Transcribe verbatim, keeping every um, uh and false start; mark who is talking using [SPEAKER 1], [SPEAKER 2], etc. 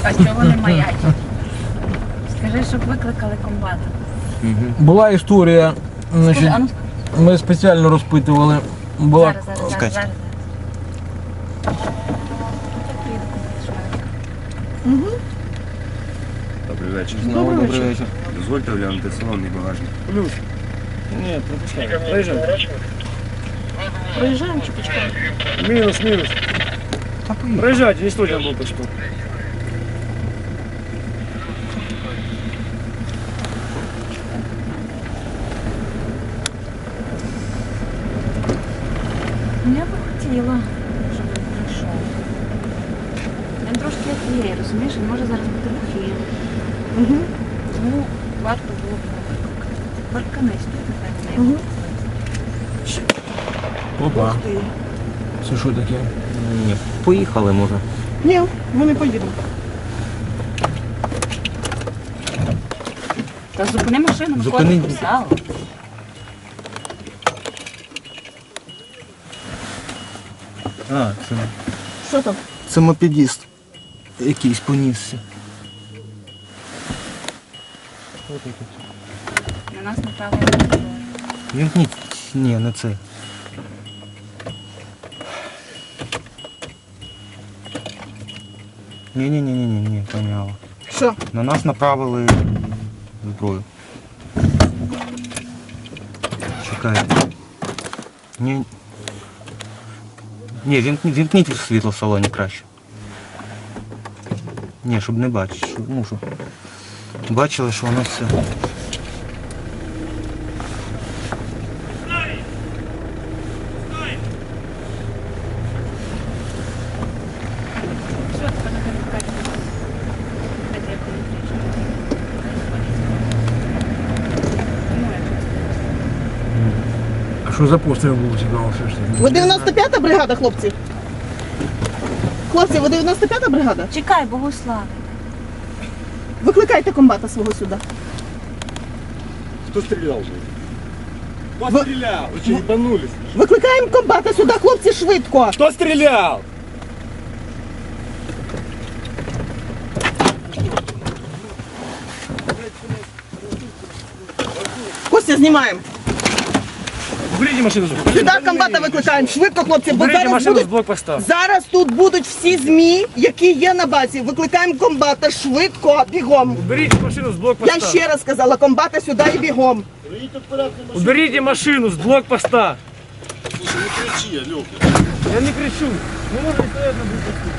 [SPEAKER 1] А чого не маячить? Скажи, щоб викликали комбата.
[SPEAKER 2] Була історія, значить,
[SPEAKER 1] Скажи, а ну скажи.
[SPEAKER 2] ми спеціально розпитували. Була...
[SPEAKER 1] Зараз, зараз, зараз, зараз. Угу.
[SPEAKER 3] Добрий вечір.
[SPEAKER 2] Знову добрий вечір.
[SPEAKER 3] Дозвольте оглянути салонний багажник.
[SPEAKER 2] Плюс. Ні, пропускаємо. Проїжджаємо.
[SPEAKER 1] Проїжджаємо чи почекаємо?
[SPEAKER 2] Мінус, мінус. Проїжджайте, не стойте на блокпосту.
[SPEAKER 1] Ну, я би хотіла, щоб він прийшов. Він трошки як є, розумієш, він може зараз бути в ефірі. Угу. Тому варто було б викликати. Парканись тут, напевно, не
[SPEAKER 2] Угу. Опа. Це що таке?
[SPEAKER 4] Ні, поїхали, може.
[SPEAKER 5] Ні, ми не поїдемо.
[SPEAKER 1] Та зупини машину, ми
[SPEAKER 4] Зупини.
[SPEAKER 1] ходимо в зал.
[SPEAKER 4] А, це,
[SPEAKER 5] Що там?
[SPEAKER 4] це мопедіст. Якийсь понісся.
[SPEAKER 1] На нас направили.
[SPEAKER 4] Вімкніть. Ні, не це. Ні-ні-ні-ні-ні, помяло.
[SPEAKER 5] Що?
[SPEAKER 4] На нас направили зброю. Чекайте. Ні. Ні, вімкніть, вімкніть світло в салоні краще. Ні, щоб не бачити. Щоб, ну, щоб бачили, що воно все.
[SPEAKER 1] Що, тепер не викликати? Дайте я коли приїжджу. Ну, як це?
[SPEAKER 2] А що за постріл був цікаво все ж таки?
[SPEAKER 5] Ви дев'яносто п'ята бригада, хлопці? Хлопці, ви дев'яносто п'ята бригада?
[SPEAKER 1] Чекай, Богослав.
[SPEAKER 5] Викликайте комбата свого сюди.
[SPEAKER 6] Кто стрелял же? Кто
[SPEAKER 5] Вы-
[SPEAKER 6] стрелял? Вы что, ебанулись?
[SPEAKER 5] Викликаємо комбата сюди, хлопці, швидко.
[SPEAKER 6] Кто стрелял?
[SPEAKER 5] Костя, знімаємо.
[SPEAKER 2] Уберіть машину з
[SPEAKER 5] Сюди комбата викликаємо. Швидко, хлопці, бо
[SPEAKER 2] Уберіть
[SPEAKER 5] зараз
[SPEAKER 2] машину з
[SPEAKER 5] будуть...
[SPEAKER 2] блокпоста.
[SPEAKER 5] Зараз тут будуть всі ЗМІ, які є на базі. Викликаємо комбата швидко, бігом.
[SPEAKER 2] Уберіть машину з
[SPEAKER 5] Я
[SPEAKER 2] блокпоста.
[SPEAKER 5] ще раз сказала, комбата сюди і бігом.
[SPEAKER 2] Уберіть машину з блокпоста.
[SPEAKER 6] Слушай, не кричи, Лёха.
[SPEAKER 2] Я не кричу. Не можна стояти на блокпосту.